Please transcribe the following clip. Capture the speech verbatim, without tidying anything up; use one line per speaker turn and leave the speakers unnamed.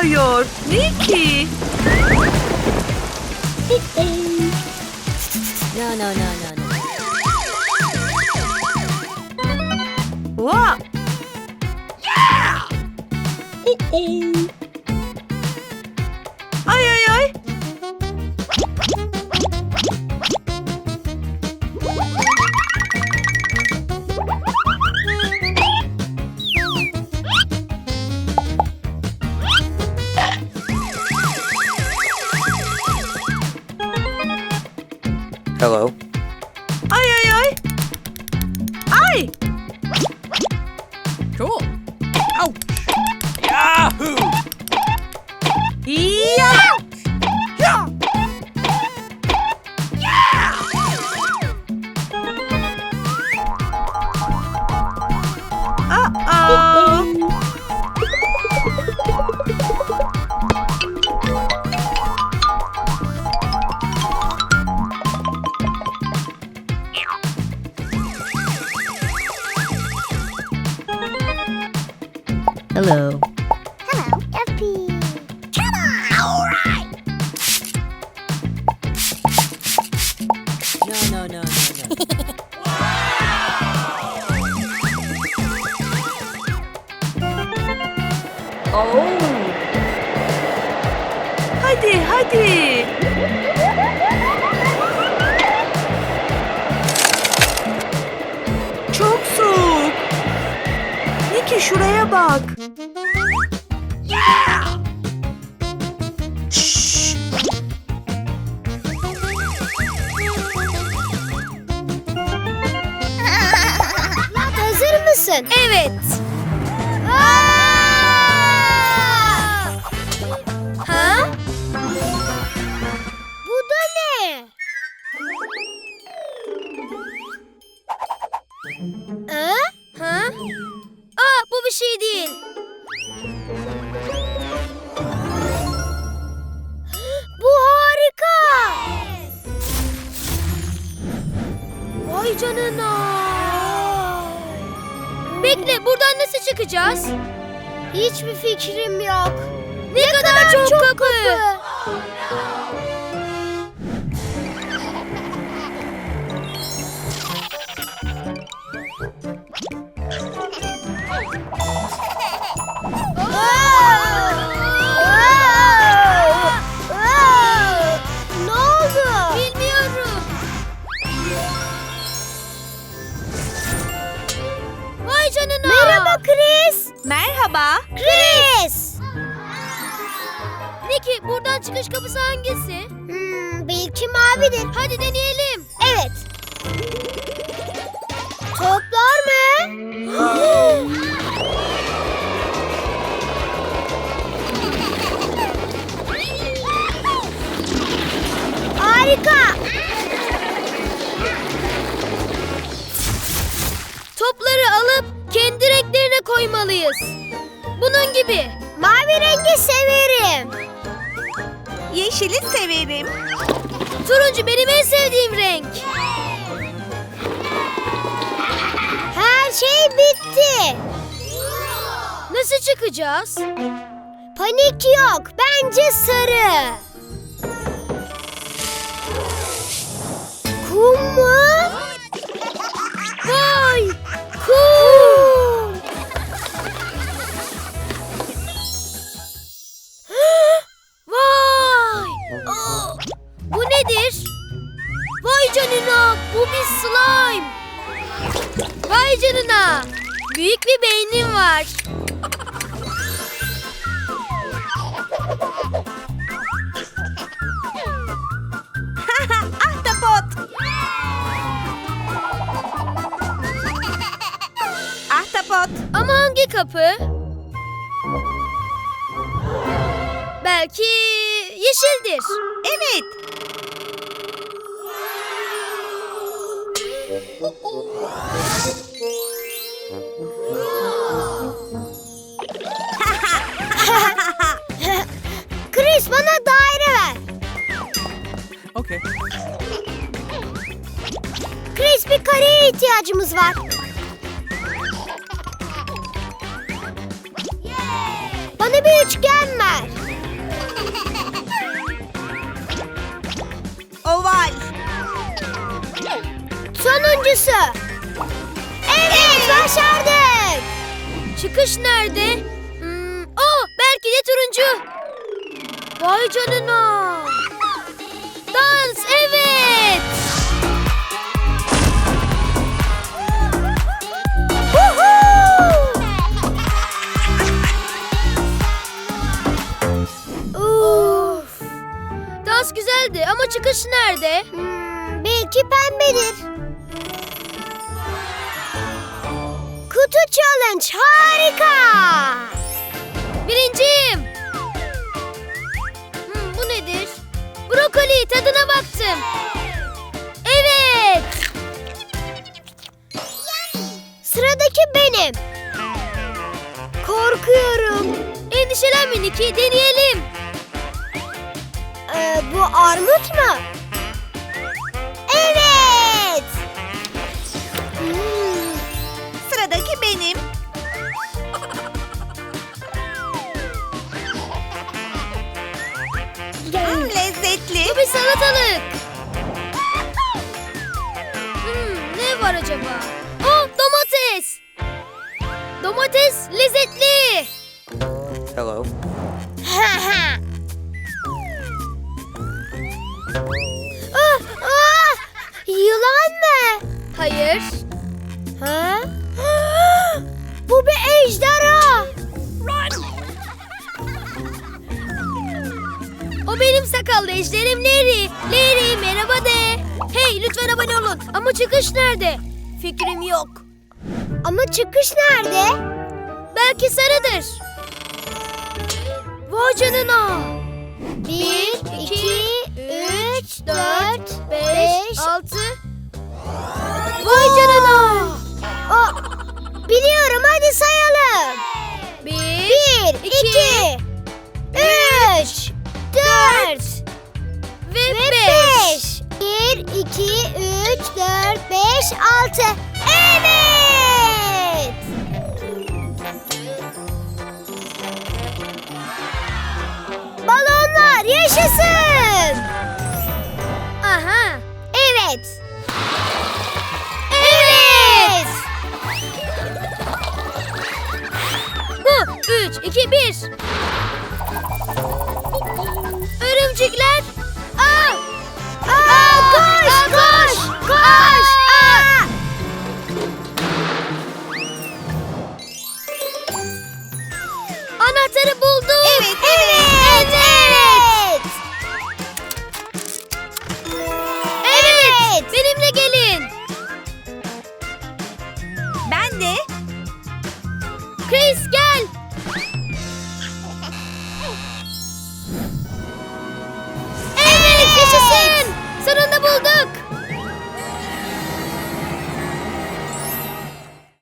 yağıyor. Nicky.
No, no, no, no, no.
Wow. Ay ay ay.
Hello.
Ay ay ay. Ay.
Cool. Ouch! Yahoo!
Ya. Ya. Aa.
Hello.
Hello, F P. Come on! All right!
No, no, no, no, no.
Oh. Hadi hadi. Çok soğuk. Nicky şuraya bak. Şşş.
Hazır mısın?
Evet. Ha?
Bu da ne?
Ha? Ha? Aa, bu bir şey değil.
Bu harika.
Vay canına. Bekle, buradan nasıl çıkacağız?
Hiçbir fikrim yok.
Ne, kadar, çok, kapı.
Ne oldu?
Bilmiyorum. Vay canına.
Merhaba Chris.
Merhaba.
Chris.
Nicky, buradan çıkış kapısı hangisi?
Hmm, belki mavidir.
Hadi deneyelim.
Evet. Toplar mı? Harika.
Topları alıp kendi renklerine koymalıyız. Bunun gibi.
Mavi rengi severim.
Yeşili severim.
Turuncu benim en sevdiğim renk.
Her şey bitti.
Nasıl çıkacağız?
Panik yok. Bence sarı. Kum mu?
Vay! Kum! Vay! Aa, bu nedir? Vay canına! Bu bir slime! Vay canına! Büyük bir beynim var.
Ahtapot. Ahtapot.
Ama hangi kapı? Belki yeşildir.
Evet.
Chris bana daire ver.
Okay.
Chris bir kareye ihtiyacımız var. Bana bir üçgen ver.
Sonuncusu. Evet, başardık. Çıkış nerede? Hmm, oh, belki de turuncu. Vay canına. Dans, evet. Of. Dans güzeldi ama çıkış nerede?
Hmm, belki pembedir. Kutu challenge harika.
Birinciyim. Hmm, bu nedir? Brokoli, tadına baktım. Evet.
Sıradaki benim. Korkuyorum.
Endişelenme Niki, deneyelim.
Ee, bu armut mu? Evet. Hmm,
Sıradaki benim. Hmm, lezzetli.
Bu bir salatalık. Hmm, ne var acaba? Oh, domates. Domates lezzetli.
Hello.
ah, ah, yılan mı?
Hayır.
Ha? Bu bir ejderha.
O benim sakallı ejderim Larry. Larry merhaba de. Hey, lütfen abone olun. Ama çıkış nerede? Fikrim yok.
Ama çıkış nerede?
Belki sarıdır. Vay canına.
Bir, iki, üç, dört,
beş,
beş.
altı. Vay canına.
O, biliyorum, hadi sayalım.
Bir,
Bir,
iki,
iki, üç, dört
ve
ve
beş.
beş. Bir, iki, üç, dört, beş, altı. Evet. Balonlar yaşasın.
Aha.
Evet. Evet.
Bu üç, iki, bir. Örümcekler